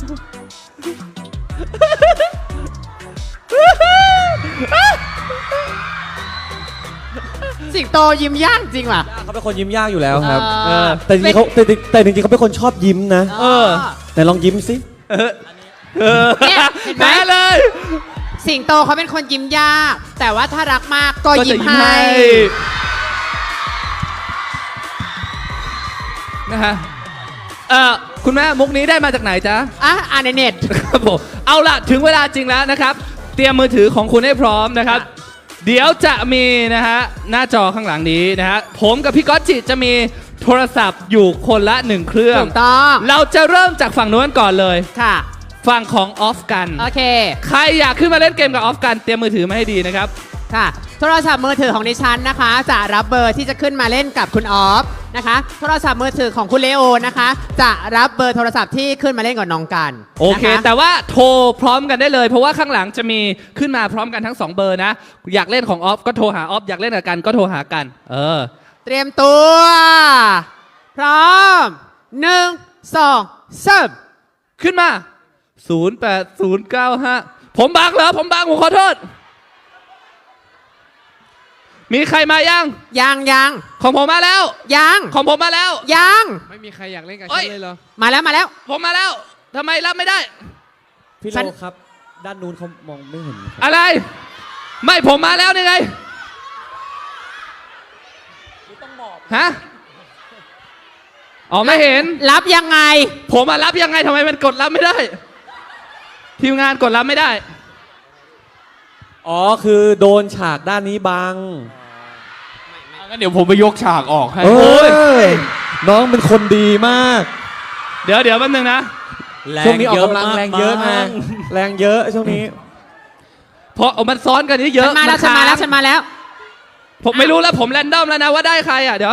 Speaker 2: สิงโตยิ้มยากจริงว่ะ
Speaker 7: เขาเป็นคนยิ้มยากอยู่แล้วครับ
Speaker 2: เออ
Speaker 7: แต่จริงๆเขาแต่จริงๆเขาเป็นคนชอบยิ้มนะ
Speaker 1: เออ
Speaker 7: ไหนลองยิ้มสิ
Speaker 2: เนี่ยเห็นไหม
Speaker 1: แพ้เลย
Speaker 2: สิงโตเขาเป็นคนยิ้มยาก แต่ว่าถ้ารักมากก็
Speaker 1: ก็จะ
Speaker 2: ยิ้ม
Speaker 1: ยิ้ม
Speaker 2: ให้
Speaker 1: ให้นะฮะคุณแม่มุกนี้ได้มาจากไหนจ๊ะ
Speaker 2: อ่านในเน็ต
Speaker 1: ครับผมเอาล่ะถึงเวลาจริงแล้วนะครับ เตรียมมือถือของคุณให้พร้อมนะครับ เดี๋ยวจะมีนะฮะหน้าจอข้างหลังนี้นะฮะผมกับพี่ก๊อตจิจะมีโทรศัพท์อยู่คนละ1เครื่อง
Speaker 2: ถูกต้อง
Speaker 1: เราจะเริ่มจากฝั่งนู้นก่อนเลย
Speaker 2: ค่ะ
Speaker 1: ฝั่งของออฟกัน
Speaker 2: โอเค
Speaker 1: ใครอยากขึ้นมาเล่นเกมกับออฟกันเตรียมมือถือมาให้ดีนะครับ
Speaker 2: ค่ะโทรศัพท์มือถือของดิฉันนะคะ จะรับเบอร์ที่จะขึ้นมาเล่นกับคุณออฟนะคะ โทรศัพท์มือถือของคุณเลโอนะคะ จะรับเบอร์โทรศัพท์ที่ขึ้นมาเล่นกับน้องกัน
Speaker 1: โอเค
Speaker 2: นะคะ
Speaker 1: แต่ว่าโทรพร้อมกันได้เลย เพราะว่าข้างหลังจะมีขึ้นมาพร้อมกันทั้ง 2 เบอร์นะ อยากเล่นของออฟก็โทรหาออฟอยากเล่นกับกันก็โทรหากัน
Speaker 2: เตรียมตัว พร้อม 1 2 3
Speaker 1: ขึ้นมา 08095 ผมบังเหรอผมขอโทษ มีใครมายัง
Speaker 2: ยัง
Speaker 1: ของผมมาแล้ว
Speaker 2: ยัง
Speaker 1: ของผมมาแล้ว
Speaker 2: ยัง
Speaker 4: ไม่มีใครอยากเล่นกับ
Speaker 1: เอ้
Speaker 4: ฉั
Speaker 1: ย
Speaker 4: นเลยเหรอ
Speaker 2: มาแล้ว
Speaker 1: ผมมาแล้วทำไมรับไม่ได้
Speaker 7: พี่
Speaker 2: ฉัน
Speaker 7: โลครับ ด้านนู้นเขามองไม่เห็นครับ
Speaker 1: อะไร ไม่ผมมาแล้วนี่ไงฮะอ๋อไม่เห็น
Speaker 2: รับยังไง
Speaker 1: ผมมารับยังไงทำไมมันกดรับไม่ได้ ทีมงานกดรับไม่ได้
Speaker 7: อ๋อ คือโดนฉากด้านนี้บัง
Speaker 6: งั้นเดี๋ยวผมไปยกฉากออกให้
Speaker 7: เอ้ย น้องเป็นคนดีมาก
Speaker 1: เดี๋ยวแป๊บนึงนะ
Speaker 7: ช่วงนี้ออกกำลังแรงเยอะนะแรงเยอะช่วงนี้
Speaker 1: เพราะมันซ้อนกันเยอะ
Speaker 2: ฉันมาแล้ว
Speaker 1: ค้ง
Speaker 2: ฉันมาแล้ว
Speaker 1: ผมไม่รู้แล้วผมแรนดอมแล้วนะว่าได้ใครอ่ะเดี๋ยว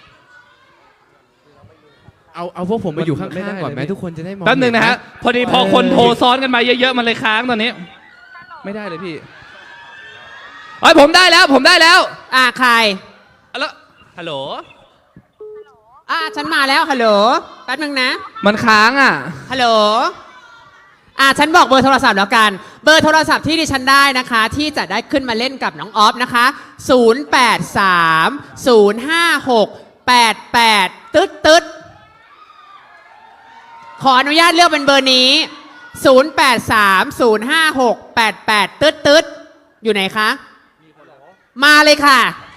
Speaker 4: เอาพวกผมมาอยู่ข้
Speaker 1: ไม่ได้
Speaker 4: างๆก่อนไหม
Speaker 1: เลย
Speaker 4: ทุกคนจะได้มอง
Speaker 1: แป๊บนึงนะฮะ
Speaker 4: เห็
Speaker 1: พอดีพอคนโทรซ้อนกันมาเยอะๆมันเลยค้างตอนนี้ ไม่ได้เลยพี่เอ้ยผมได้แล้ว
Speaker 2: ใคร
Speaker 1: แล้วฮัลโหล
Speaker 2: ฉันมาแล้วฮัลโหลแป๊บนึงนะ
Speaker 1: มันค้างอ่ะ
Speaker 2: ฮัลโหลฉันบอกเบอร์โทรศัพท์แล้วกัน เบอร์โทรศัพท์ที่ดิฉันได้นะคะ ที่จะได้ขึ้นมาเล่นกับน้องออฟนะคะ 08305688ตึ๊ดขออนุญาตเลือกเป็นเบอร์นี้ 08305688ตึ๊ดอยู่ไหนคะ มาเลยค่ะ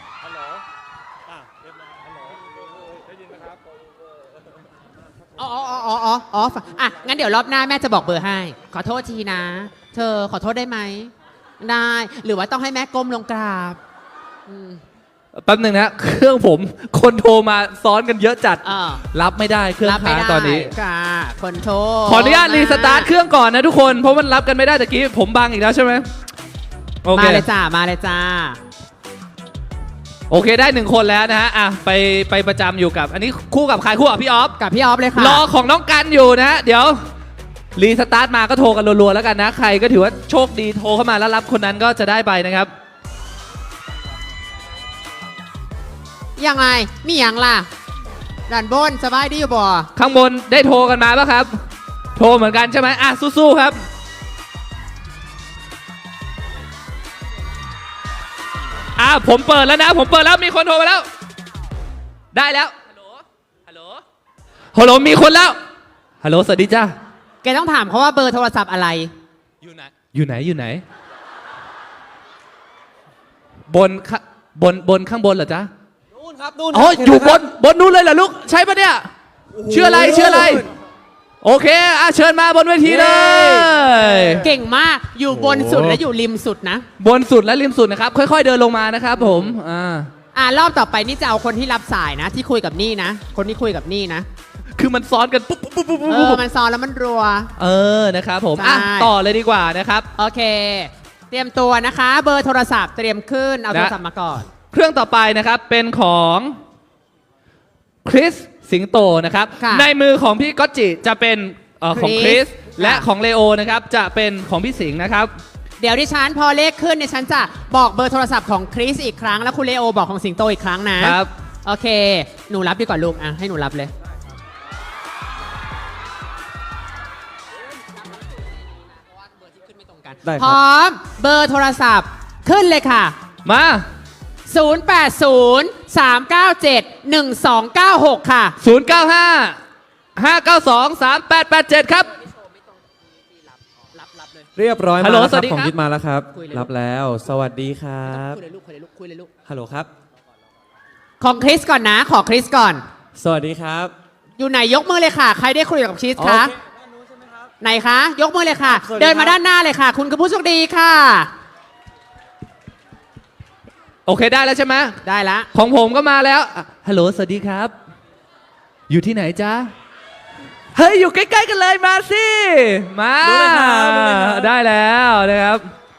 Speaker 2: อ๋องั้นเดี๋ยวรอบหน้าแม่จะบอกเบอร์ให้ ขอโทษทีนะ เธอขอโทษได้ไหม ได้ หรือว่าต้องให้แม่ก้มลงกราบ
Speaker 1: แป๊บนึงนะ เครื่องผมคนโทรมาซ้อนกันเยอะจัด
Speaker 2: อ่า
Speaker 1: รับไม่ได้เครื่อง
Speaker 2: รับไม่
Speaker 1: ค้าง
Speaker 2: ได้
Speaker 1: ตอนนี้
Speaker 2: ค่ะคนโทร
Speaker 1: ขออนุญาตรีสตาร์ทเครื่องก่อนนะทุกคน เพราะมันรับกันไม่ได้ตะกี้ผมบังอีกแล้วใช่ไหมโอเค
Speaker 2: มาเลยจ้า มาเลยจ้า
Speaker 1: โอเคได้1คนแล้วนะฮะอ่ะไปประจำอยู่กับ อันนี้คู่กับใครคู่กับพี่ออฟ
Speaker 2: กับพี่ออฟเลยค่ะ
Speaker 1: รอของน้องกันอยู่นะฮะเดี๋ยวรีสตาร์ทมาก็โทรกันรัวๆแล้วกันนะ ใครก็ถือว่าโชคดีโทรเข้ามาแล้วรับคนนั้นก็จะได้ไปนะครับ
Speaker 2: ยังไง มีอย่างล่ะด่านบนสบายดีอยู่บ่
Speaker 1: ข้างบนได้โทรกันมาป่ะครับ โทรเหมือนกันใช่ไหมอ่ะสู้ๆครับผมเปิดแล้วนะผมเปิดแล้วมีคนโทรมาแล้ว ได้แล้วฮัลโหลมีคนแล้วฮัลโหลสวัสดีจ้า
Speaker 2: แกต้องถามเขาว่าเบอร์โทรศัพท์อะไร
Speaker 1: อยู่ไหนอยู่ไหนบนข้าบนข้างบนเหรอจ๊ะ
Speaker 7: นู่นครับนู่น
Speaker 1: อ๋อ
Speaker 7: ครับ
Speaker 1: อยู่บนนู้นเลยเหรอลูกใช่ปะเนี่ยชื่ออะไรโอเคเชิญมาบนเวทีเลย
Speaker 2: เก่งมากอยู่บนสุดและอยู่ริมสุดนะ
Speaker 1: บนสุดและริมสุดนะครับค่อยๆเดินลงมานะครับผม
Speaker 2: รอบต่อไปนี่จะเอาคนที่รับสายนะ ที่คุยกับนี่นะ คนที่คุยกับนี่นะ
Speaker 1: คือมันซ้อนกันปุ๊บ
Speaker 2: มันซ้อนแล้วมันรัว
Speaker 1: นะครับผม
Speaker 2: ใช่
Speaker 1: ต่อเลยดีกว่านะครับ
Speaker 2: โอเค เตรียมตัวนะคะ เบอร์โทรศัพท์เตรียมขึ้นเอาโทรศัพท์มาก่อน
Speaker 1: เครื่องต่อไปนะครับเป็นของคริสสิงโตนะครับ
Speaker 2: ค่ะ
Speaker 1: ในมือของพี่ก๊อตจิจะเป็นของคริส
Speaker 2: ค่ะ
Speaker 1: และของเลโอนะครับจะเป็นของพี่สิงห์นะครับ
Speaker 2: เดี๋ยวดิฉันพอเลขขึ้นเนี่ยฉันจะบอกเบอร์โทรศัพท์ของคริสอีกครั้งแล้วคุณเลโอบอกของสิงโตอีกครั้งนะครับ โอเค หนูรับดีกว่าลูกให้หนูรับเลย
Speaker 7: ได้ค
Speaker 2: พ
Speaker 7: รับ
Speaker 2: ร้อมเบอร์โทรศัพท์ขึ้นเลยค่ะ
Speaker 1: มา
Speaker 2: 080-397-1296 ค่ะ
Speaker 1: 095-592-3887 ครับ
Speaker 7: เรียบร้อย
Speaker 1: ฮั
Speaker 7: มา
Speaker 1: ลโหล
Speaker 7: แล้ว
Speaker 1: ส
Speaker 7: ค
Speaker 1: วั
Speaker 7: รั
Speaker 1: ส
Speaker 7: บ
Speaker 1: ดี
Speaker 7: ของ
Speaker 1: ครับ
Speaker 7: ยิดมาแล้วครับ
Speaker 2: คุยเลย
Speaker 7: รับแล้ว สวัสดีครับ
Speaker 2: คุยเลยลูกคุยเลยลูกคุยเลยลูก
Speaker 7: ฮัลโหลครับ
Speaker 2: ของคริสก่อนนะ ขอคริสก่อน
Speaker 7: สวัสดีครับ
Speaker 2: อยู่ไหนยกมือเลยค่ะ ใครได้คุยกับคริส
Speaker 7: โอ
Speaker 2: คะ
Speaker 7: เค
Speaker 2: ไหนคะ ยกมือเลยค่ะ
Speaker 7: สวัสดีครับ
Speaker 2: เดินมาด้านหน้าเลยค่ะ คุณคือผู้โชคดีค่ะ
Speaker 1: โอเคได้แล้วใช่ไหม
Speaker 2: ได้ละ
Speaker 1: ของผมก็มาแล้วฮัลโหลสวัสดีครับ อยู่ที่ไหนจ๊ะเฮ้ยอยู่ใกล้ๆกันเลยมาสิมา
Speaker 7: รู้เลยครับรู้เลยครับ
Speaker 1: ได้แล้วนะครับ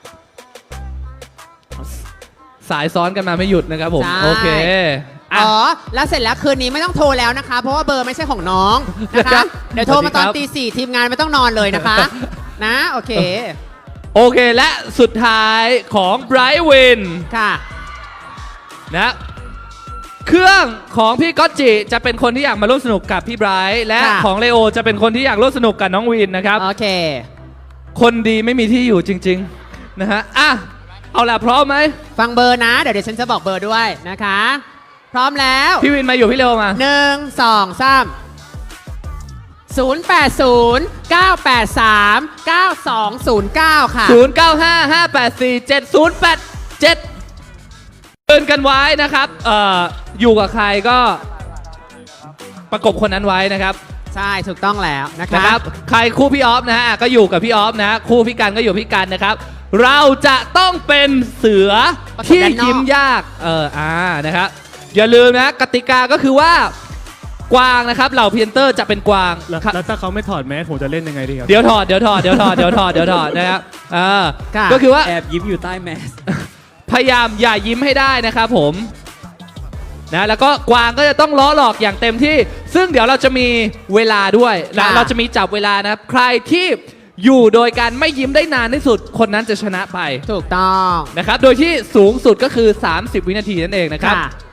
Speaker 1: สายซ้อนกันมาไม่หยุดนะครับผม
Speaker 2: ใช่
Speaker 1: โอเคอ่ะ
Speaker 2: อ๋อ แล้วเสร็จแล้วคืนนี้ไม่ต้องโทรแล้วนะคะ เพราะว่าเบอร์ไม่ใช่ของน้องนะคะ เดี๋ยวโทรมาตอน
Speaker 1: สวัสดีครับ
Speaker 2: ตีสี่ทีมงานไม่ต้องนอนเลยนะคะ นะ โอเค
Speaker 1: โอเคและสุดท้ายของไบรท์วิน
Speaker 2: ค่ะ
Speaker 1: นะเครื่องของพี่ก๊อตจิจะเป็นคนที่อยากมาร่วมสนุกกับพี่ไบรท์และ
Speaker 2: ค่ะ
Speaker 1: ของเลโอจะเป็นคนที่อยากร่วมสนุกกับน้องวินนะครับ
Speaker 2: โอเค
Speaker 1: คนดีไม่มีที่อยู่จริง ๆ นะฮะเอาล่ะพร้อมไหม
Speaker 2: ฟังเบอร์นะ เดี๋ยวฉันจะบอกเบอร์ด้วยนะคะ พร้อมแล้ว
Speaker 1: พี่วินมาอยู่พี่เลโอมา
Speaker 2: 1 2 3 080-983-9209 ค่ะ
Speaker 1: 0955847087เตือนกันไว้นะครับอยู่กับใครก็ประกบคนนั้นไว้นะครับ
Speaker 2: ใช่ถูกต้องแล้วนะ
Speaker 1: นะคะ ครับใครคู่พี่ออฟนะฮะก็อยู่กับพี่ออฟนะคู่พี่กันก็อยู่พี่กันนะครับ เราจะต้องเป็นเสือที่ยิ้มยากนะครับอย่าลืมนะกติกาก็คือว่ากวางนะครับเหล่าพรีเซนเตอร์จะเป็นกวาง
Speaker 5: แล้วถ้าเขาไม่ถอดแมสผมจะเล่นยังไงดีครับ
Speaker 1: เดี๋ยวถอดนะครับก็คือว่า
Speaker 8: แอบยิ้มอยู่ใต้แมส
Speaker 1: พยายามอย่ายิ้มให้ได้นะครับผมนะแล้วก็กวางก็จะต้องล้อหลอกอย่างเต็มที่ ซึ่งเดี๋ยวเราจะมีเวลาด้วยนะ
Speaker 2: ค่ะ
Speaker 1: เราจะมีจับเวลานะครับใครที่อยู่โดยการไม่ยิ้มได้นานที่สุดคนนั้นจะชนะไป
Speaker 2: ถูกต้อง
Speaker 1: นะครับโดยที่สูงสุดก็คือ 30 วินาทีนั่นเองนะครับ
Speaker 2: ค่ะ